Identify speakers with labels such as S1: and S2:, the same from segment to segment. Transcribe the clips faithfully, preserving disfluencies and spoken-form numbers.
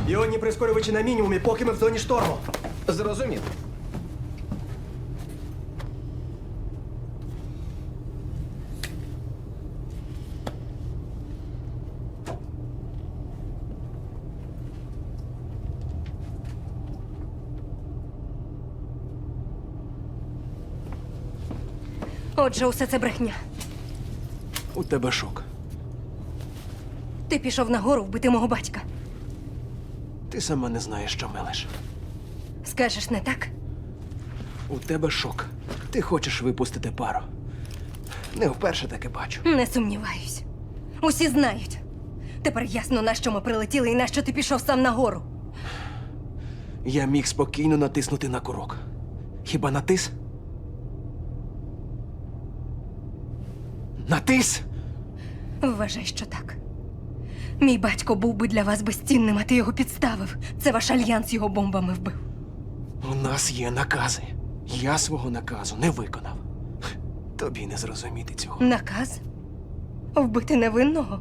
S1: Іонні прискорювачі на мінімумі, поки ми в зоні шторму.
S2: Зрозумів.
S3: Отже, усе це брехня.
S1: У тебе шок.
S3: Ти пішов нагору вбити мого батька.
S1: Ти сама не знаєш, що мелеш.
S3: Скажеш, не так?
S1: У тебе шок. Ти хочеш випустити пару. Не вперше таке бачу.
S3: Не сумніваюсь. Усі знають. Тепер ясно, на що ми прилетіли і на що ти пішов сам нагору.
S1: Я міг спокійно натиснути на курок. Хіба натис? Натис?
S3: Вважай, що так. Мій батько був би для вас безцінним, а ти його підставив. Це ваш альянс його бомбами вбив.
S1: У нас є накази. Я свого наказу не виконав. Тобі не зрозуміти цього.
S3: Наказ? Вбити невинного?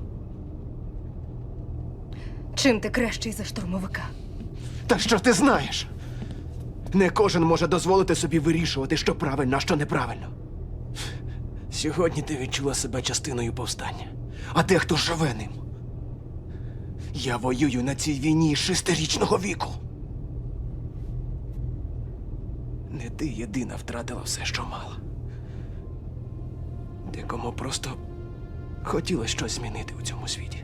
S3: Чим ти кращий за штурмовика?
S1: Та що ти знаєш? Не кожен може дозволити собі вирішувати, що правильно, а що неправильно. Сьогодні ти відчула себе частиною повстання, а дехто живе ним. Я воюю на цій війні з шестирічного віку. Не ти єдина втратила все, що мала. Декому просто хотілося щось змінити у цьому світі.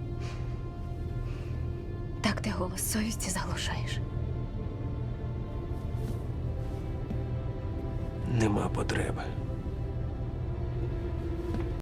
S3: Так ти голос совісті заглушаєш.
S1: Нема потреби.